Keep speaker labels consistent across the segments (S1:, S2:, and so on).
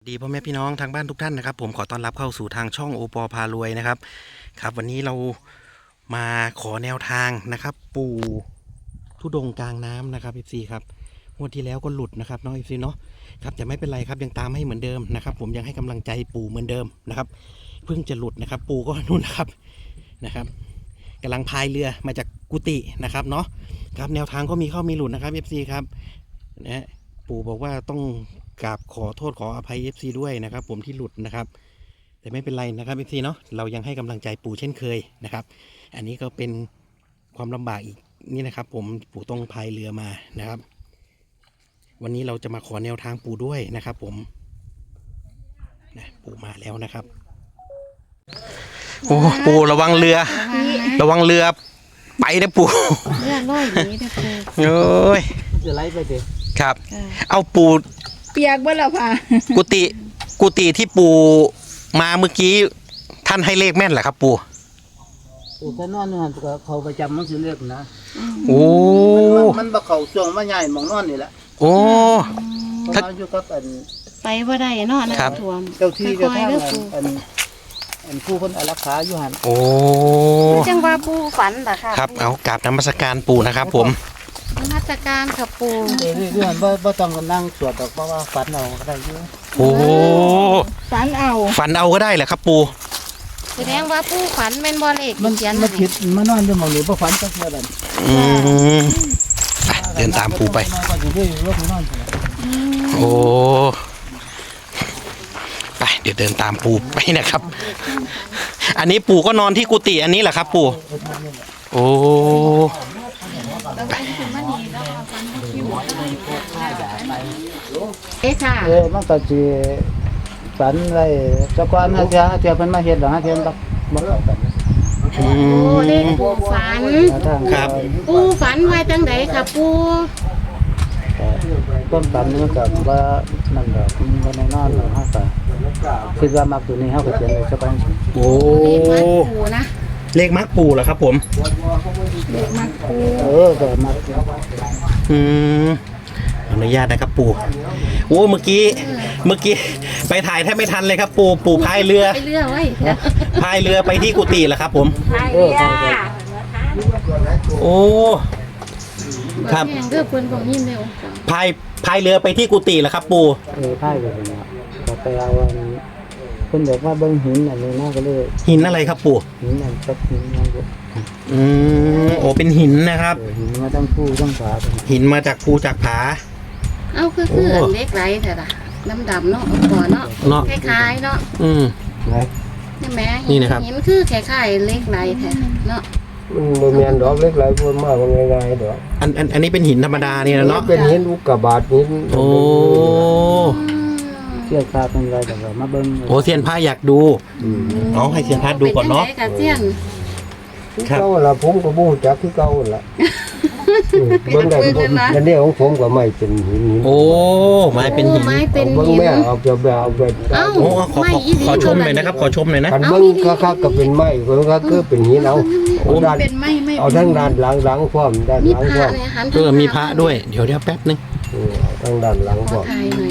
S1: ดีพ่อแม่พี่น้องทางบ้านทุกท่านนะครับผมขอต้อนรับเข้าสู่ทางช่องโอปอพารวยนะครับครับวันนี้เรามาขอแนวทางนะครับปู่ธุดงค์กลางน้ำนะครับ FC ครับงวดที่แล้วก็หลุดนะครับน้อง FC เนาะครับแต่ไม่เป็นไรครับยังตามให้เหมือนเดิมนะครับผมยังให้กำลังใจปู่เหมือนเดิมนะครับเพิ่งจะหลุดนะครับปู่ก็นู่นนะครับกำลังพายเรือมาจากกุฏินะครับเนาะครับแนวทางก็มีเข้ามีหลุดนะครับ FC ครับนะปู่บอกว่าต้องกราบขอโทษขออภัย FC ด้วยนะครับผมที่หลุดนะครับแต่ไม่เป็นไรนะครับ FC เนาะเรายังให้กำลังใจปู่เช่นเคยนะครับอันนี้ก็เป็นความลำบากอีกนี่นะครับผมปู่ต้องพายเรือมานะครับวันนี้เราจะมาขอแนวทางปู่ด้วยนะครับผมนะปู่มาแล้วนะครับโอ้ปู่ระวังเรือไปนะปู่
S2: เรือลอยหนีนะปู่
S1: โอ้ย
S3: จะไล่ไปเด็ก
S1: ครับเอาปู่
S2: เปียกเบิ่แล้วค่ะ
S1: กุฏิที่ปู่มาเมื่อกี้ท่านให้เลขแม่นเหรอครับปู่
S3: ถ้านอนนี่ฮะเขาประจำมันสิเรียกนะ
S1: โอ้
S3: มันบ่เข้าช่วงมาใหญ่หมองนอนนี่แหละ
S1: โอ้
S3: ถ้าอยู่กับ
S2: ไปบ่ได้เนาะน้ำท่วม
S3: เจ้าที่เจ้าทางอันผู้คนอารักขาอยู่หั่น
S1: โอ้
S2: จังว่าปู่ฝันเหรอคะ
S1: ครับเอากราบนมัสการปู่นะครับผม
S2: นมัสการกับปู่
S3: เรื่องบ่ต้องนั่งสวดดอกเพราะว่าฝันเอาก็ได้อยู่
S1: โอ้
S2: ฝันเอา
S1: ก็ได้เหรอครับปู่
S2: แสดงว่าปู่ฝันแม่นบ่เลข
S3: มันผิดมานอนอยู่หม่องนี้บ่ฝันจักเทื่อนั่น
S1: เดินตามปู่ไปโอ้ไปเดี๋ยวเดินตามปู่ไปนะครับอันนี้ปู่ก็นอนที่กุฏิอันนี้แหละครับปู่โอ้
S2: ค่ะ
S3: มันก็สิฝันอะไรเจ้าก่อนเที่ยวเพิ่นมาเฮ็ดดอกเที่ยวบ่กัน
S2: โอ้เลขปู่ฝัน
S1: ครับ
S2: ปู่ฝันไว้จังไดค่ะปู่
S3: ต้นฝันมันก็ว่านั่นดอกมันแน่นอนแล้วเฮาก็คิดว่ามักตัวนี้เฮาก็เขียนไว้สักก่อน
S1: โอ้
S2: เลขมักปู่นะ
S1: เลขมักปู่เหรอครับผม
S2: เลขมักปู่
S3: ก็มัก
S1: อนุญาตนะครับปู่โอ้เมื่อกี้ไปถ่ายแทบไม่ทันเลยครับปู่พายเรือ
S2: ไว้
S1: พายเรือไปที่กุฏิเหรอครับผม
S2: พายเรือ
S1: โอ้ครับ
S2: เรือเพิ่นบ่ยินแล้ว
S1: พายเรือไปที่กุฏิเหรอครับปู่
S3: พายเรือเนี่ยก็ไปเอาเพิ่นบอกว่าเบิ่งหินอันนี้น่าก็เลย
S1: หินอะไรครับปู่
S3: หินอันสักหินนั่นก็
S1: โอ้เป็นหินนะครับ
S3: หินมาทั้งภูทั้งผา
S1: หินมาจากภูจากผา
S2: เอาคือเล็กไรแต่ละดำเนาะก่อนเนาะคล้ายๆเนาะใช่ไหม
S1: นี่นะครับ
S2: หินคือคล้ายๆเล็กไรแท้เนาะ
S3: มันมีอันดอกเล็กไรพูดมากมันง่ายๆดอก
S1: อันนี้เป็นหินธรรมดานี่นะเนาะ
S3: เป็นหินอุกกาบาตหิน
S1: โอ้
S3: เสี้ยนพาเป็นไรแต่ว่ามาเบิ้ง
S1: โอ้เสี้ยนพาอยากดูน้องให้เสี้ยนพาดูก่อนเนาะ
S3: เก่าละผมก็บูจักที่เก่าละเบิ้งได้อันนี้ของผมก็ไม่เป็นหิน
S1: โอ้ไม้เป็นหิน
S3: เบิ้งแม่เอา
S1: โอ้ขอชมหน่อยนะครับขอชมหน่อยนะ
S3: เบิ้งคักๆก็เป็นไม้เบิ้งคักก็เป็นหินเอาเอาทั้งด้านหลังพร้อมด้านหลังพร้อม
S1: มีพระด้วยเดี๋ยวแป๊บนึง
S3: ทั้งด้านหลังพร้อม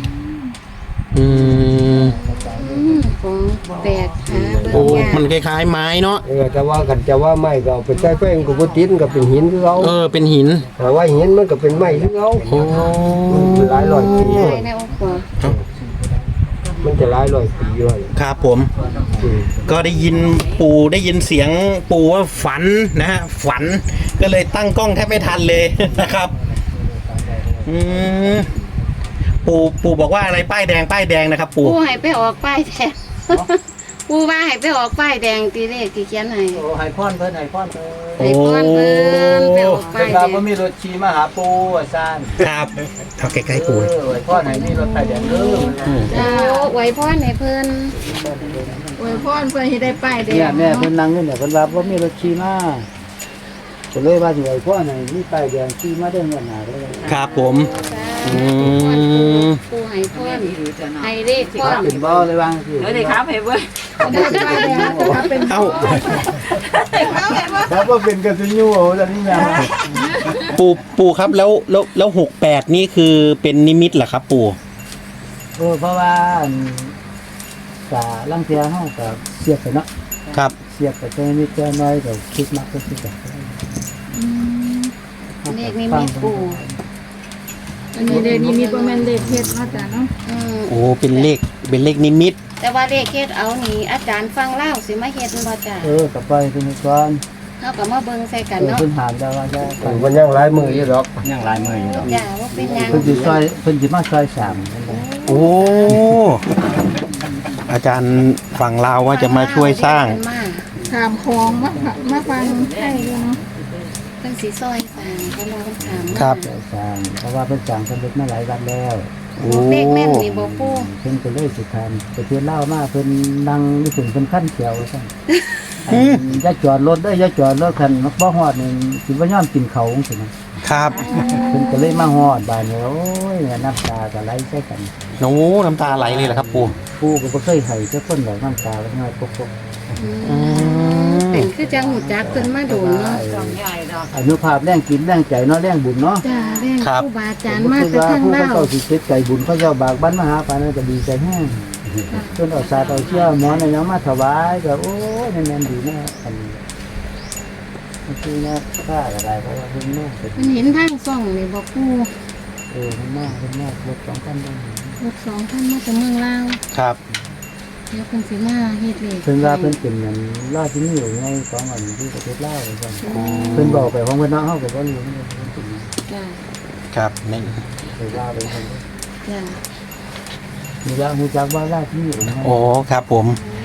S2: ของแปลก
S1: โอ้มันคล้ายๆไม้เนาะ
S3: แต่ว่ากันจะว่าไม้ก็เป็นใต้แป้งกับตินก็เป็นหินคือเขา
S1: เป็นหิน
S3: แต่ว่าหินมันก็เป็นไม้คือเขาหลายร้อยปีมันจะหลายร้อยปีด้วย
S1: ครับผมก็ได้ยินเสียงปู่ว่าฝันนะฮะฝันก็เลยตั้งกล้องแทบไม่ทันเลยนะครับปู่บอกว่าอะไรป้ายแดงนะครับปู่
S2: ให้ไปออกป้ายแดงปู่ว่าให้ไปออกป้ายแดงตีเลขตีเขียนให้
S3: ให้พ่อนเพิ่นไปออก
S2: ป้ายแดง
S3: ก็มีรถขี่มาหาปู่อาจารย์
S1: ครับเอาใกล้ๆปู่
S3: ให้พ่อนให้มีรถป้ายแดง
S2: ไว้พ่อนให้เพิ่นไว้พ่อนเพิ่นให้ได้ป้ายแดง
S3: แม่เพิ่นนั่งอยู่เนี่ยเพิ่นว่าบ่มีรถขี่มาก็เลยว่าสิไว้พ่อนให้มีป้ายแดงขี่มาได้เงินหาเลย
S1: ครับผม
S2: ปู่ให้พ่อนให้เลขพ่อน
S3: เป็นบ่เลยว่างสิ
S2: ได้ครับให้เบิ่ง
S1: เอ้า
S3: แล้วว่าเป็นกระสุนยูโอ้ตอนนี้นะ
S1: ปู่ครับแล้ว68นี่คือเป็นนิมิตเหรอครับปู่
S4: เพราะว่ากะลังเทียเฮาก็เสียบไปเนาะ
S1: ครับ
S4: เสียบไปแค่นิดแค่น้อยก็คิดมากก็คิดแบบ
S2: อืมเลขนิมิตปู่
S5: อันนี้เลขนี้มีประมาณเลขเฮ็ดมาจ้ะเนาะ
S2: อืม
S1: โอ้เป็นเลขนิมิต
S2: แต่ว่าเลขเฮ็ดเอานี่อาจารย์ฟังเล่าสิมาเฮ็ดบ่จ้ะ
S4: ก็ไปเป็นก่อน
S2: เฮาก็มาเบิ่งใส่กันเนาะ
S4: เพิ่นถามได้ว่าจะ
S3: มันยังหลายมืออยู่ดอก
S4: ยังหลายมื้ออยู่
S2: จ้ะว่าเป็นหยัง
S4: เพิ่นสิซอยเพิ่นสิมาซอยสาม
S1: โอ้อาจารย์ฝั่งลาวว่าจะมาช่วยสร้าง
S2: มา
S5: ถามของมาฟังให้ด้วยเนาะ
S2: เพิ่นสิซอยสร้างเพิ่นว่าเพิ่นถามมา
S1: ครับ
S4: ซอยสามเพราะว่าเพิ่นสั่งเพิ่นเล็กมาหลายวันแล้ว
S1: โอ้
S2: เลขแม่นนี่บ่ปู่
S4: เพิ่นก็เลยสิทำไปเทื่อเล่ามาเพิ่นนั่งอยู่ถึงเพิ่นขั้นเขียวซั่นอย่าจอดรถเด้ออย่าจอดรถคันบ่ฮอดนี่สิบ่ยอมกินเขาจังซี่นะครับ เพิ่นก็เลยมาฮอดบ้านเนี่ยโอ้ยน้ำตาก็ไหลใส่กัน
S1: โน้น้ำตาไหลเลยเหรอครับปู่
S4: ปู่ก็บ่เคยให้จักคนดอกน้ำตาก็น้อยปก
S1: อืม
S2: เป็นคือจังหูจักเพิ่นมาโดนเนาะ
S4: อนุภาพแรงกินแรงใจเนาะแรงบุญเนาะ
S2: จ้าแรงครูบาอาจารย์มา
S4: คิด
S2: แต่
S4: ว่า
S2: ทาง
S4: ผู้
S2: ลาว
S4: เจ้าสิเฮ็ดใจบุญเขาเจ้าบากบั้นมาหาปานนั้นก็ดีใจแฮงเพิ่นเอาสาดเอาเชื่อหมอนเอาหยังมาถวายก็โอ้ยแม่นดีแน่อันนี้คือแน่ค่าก็ได้เพราะว่าเพิ่นแม่เป็น
S2: มันเห็นทางซ่องนี่บ่ปู่
S4: เพิ่นแม่รถ2คันได้
S2: รถสองท่านมาจากเมืองลาว
S1: ครับ
S2: เดี๋ยวเพิ่นสิมาเฮ็ดเลข
S4: เพิ่นว่าเพิ่นเป็นหยังราชนิยมไงของอันที่ประเทศลาวว่าซั่นเพิ่นบอกไปของเพิ่นเนาะเฮาก็บ่รู้เพิ่นเป็นหยัง
S2: จ้า
S1: ครับนี่
S4: เพิ่นว่าไปเพิ่น
S2: จ้า
S4: มีว่าฮู้จักว่าราชนิยมไง
S1: โอ้ครับผม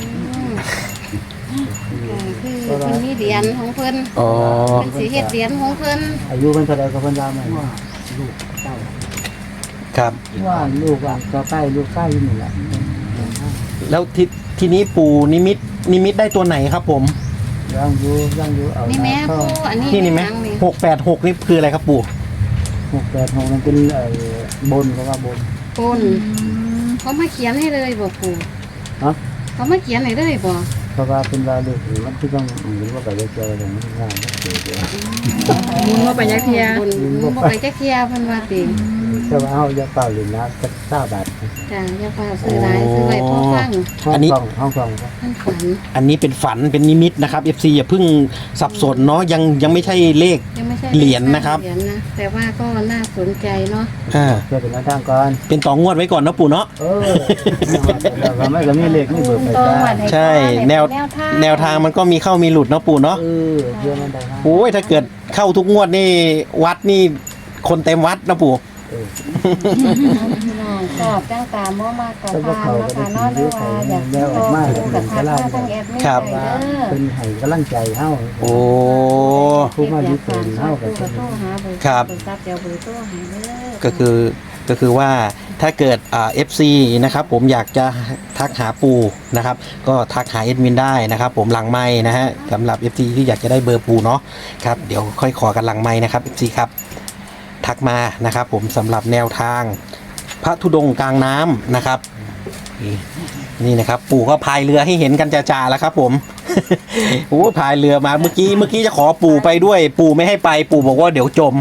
S2: คือเพิ่นมีเหรียญของเพิ่น
S1: อ๋อ
S2: เพิ่นสิเฮ็ดเหรียญของเพิ่น
S4: อายุเพิ่นเท่าใดก็เพิ่นว่ามาลูกเต้า
S1: ครับ
S4: ว่าลูกว่าก็ใกล้ลูกใกล้อยู่นี่แหละ
S1: แล้วทีนี้ปู่นิมิตได้ตัวไหนครับผม
S4: ยังอยู่เอา
S2: นี่แม่ปู่อันนี้
S1: นี่ไหม
S2: ยังนี่
S1: 686นี่คืออะไรครับปู่
S4: 686มันเป็นบนก็ว่าบน
S2: ปนเขามาเขียนให้เลยบ่ปู่
S4: ฮะ
S2: เขามาเขียนให้เลยบ่
S4: เพราะว่าเป็นว่าลูกมันคือต้องหรือว่าไปเจอกันง่ายๆเจอ
S5: มุนว่าไปยักเทีย
S2: บนบ่ไปจักเที่ยเพิ่นว่าติ
S4: แต่ว่าเอาอย่าเปล่าหรือนะสัก9 บาท
S2: จ้าอย่าฟ้าซื้อหลายซื้อไว้พอฟัง
S4: ห้องกล่อง
S2: ท่านฝัน
S1: อันนี้เป็นฝันเป็นนิมิตนะครับ FC อย่าเพิ่งสับสนเนาะยังไม่ใช่เลข
S2: ยังไม่ใช่
S1: เหรียญนะครับ
S2: เหรียญนะแต่ว่าก็น่าสนใจเนาะ
S1: อ่า
S4: เพื่อเป็นแนวทางก่อน
S1: เป็นต่องวดไว้ก่อนเนาะปู่เนาะ
S4: แล้วก็ไม่ก็มีเลขนี่เบิกไปได้
S1: ใช่แนวทางมันก็มีเข้ามีหลุดเนาะปู่เนาะ
S4: เพื่อมันได้นะ
S1: โอ้ยถ้าเกิดเข้าทุกงวดนี่วัดนี่คนเต็มวัดนะปู่
S2: พี่น้องชอบจ้างตามบ่มากกับพานนะคะเนาะหรือว่าอยากโตคู่กับทักมาทางแอดมิน
S1: ครับ
S2: ไปเด้อ
S4: เป็นให้กำลังใจเฮา
S1: โอ้
S4: ผู้มาอยู่เป็นเฮา
S2: ก็
S4: ก็
S2: โทรหาเบอร์
S1: ครับ
S2: เบอร์ซับเดี๋ยวเบอร์โทรหาเด้อ
S1: ก็คือว่าถ้าเกิดFC นะครับผมอยากจะทักหาปู่นะครับ ก็ทักหาเอ็ดมินได้นะครับ ผมหลังไม้นะฮะสำหรับ FC ที่อยากจะได้เบอร์ปู่เนาะครับเดี๋ยวค่อยขอกันหลังไม้นะครับ FC ครับทักมานะครับ ผมสำหรับแนวทางพระธุดงค์กลางน้ำนะครับ นี่นะครับ ปู่ก็พายเรือให้เห็นกันจ่าๆแล้วครับ ผม โอ้พายเรือมาเมื่อกี้จะขอปู่ไปด้วย ปู่ไม่ให้ไป ปู่บอกว่าเดี๋ยวจม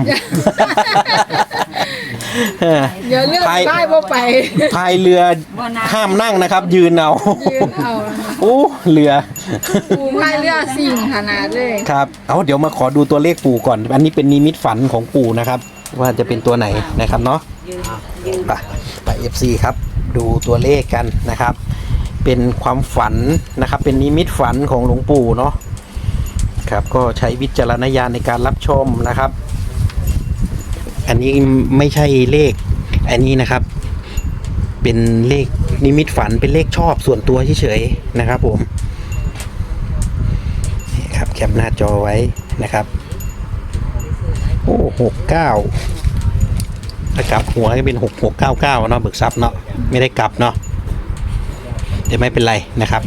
S5: เดี๋ยวเลือกได้บ่ไป
S1: พายเรือห้ามนั่งนะครับ ยืนเอา
S5: ยืนเอา
S1: โอ้เรือ
S5: ปูพายเรือสิ่งขนาดเลย
S1: ครับเอาเดี๋ยวมาขอดูตัวเลขปู่ก่อน อันนี้เป็นนิมิตฝันของปู่นะครับ ว่าจะเป็นตัวไหนนะครับเนาะไป FC ครับ ดูตัวเลขกันนะครับ เป็นความฝันนะครับ เป็นนิมิตฝันของหลวงปู่เนาะครับก็ใช้วิจารณญาณในการรับชมนะครับ อันนี้ไม่ใช่เลขอันนี้นะครับ เป็นเลขนิมิตฝันเป็นเลขชอบส่วนตัวเฉยๆนะครับ ผมนี่ครับแคปหน้าจอไว้นะครับโอ้69ถ้ากลับหัวก็เป็น6699เนาะเบิกทรัพย์เนาะไม่ได้กลับเนาะแต่ไม่เป็นไรนะครับ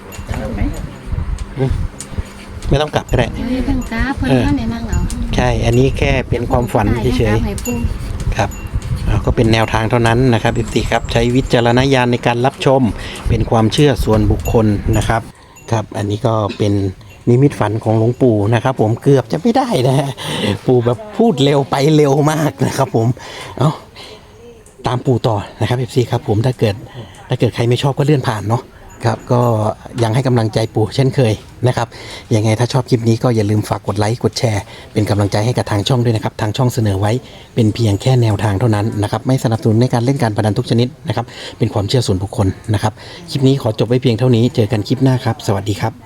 S1: ไม่ต้องกลับก็ได้
S2: เฮ้ยเพิ่นกราฟเพิ่นมาในนั่งเอา
S1: ใช่อันนี้แค่เป็นความฝันเฉย
S2: ให้ปู่
S1: ๆครับก็เป็นแนวทางเท่านั้นนะครับอีกทีครับใช้วิจารณญาณในการรับชมเป็นความเชื่อส่วนบุคคลนะครับครับอันนี้ก็เป็นนิมิตฝันของหลวงปู่นะครับ ผมเกือบจะไม่ได้นะฮะปู่แบบพูดเร็วไปเร็วมากนะครับ ผมเอาตามปู่ต่อนะครับ FC ครับผมถ้าเกิดใครไม่ชอบก็เลื่อนผ่านเนาะครับก็ยังให้กำลังใจปู่เช่นเคยนะครับยังไงถ้าชอบคลิปนี้ก็อย่าลืมฝากกดไลค์กดแชร์เป็นกำลังใจให้กับทางช่องด้วยนะครับทางช่องเสนอไว้เป็นเพียงแค่แนวทางเท่านั้นนะครับไม่สนับสนุนในการเล่นการพนันทุกชนิดนะครับเป็นความเชื่อส่วนบุคคลนะครับคลิปนี้ขอจบไว้เพียงเท่านี้เจอกันคลิปหน้าครับสวัสดีครับ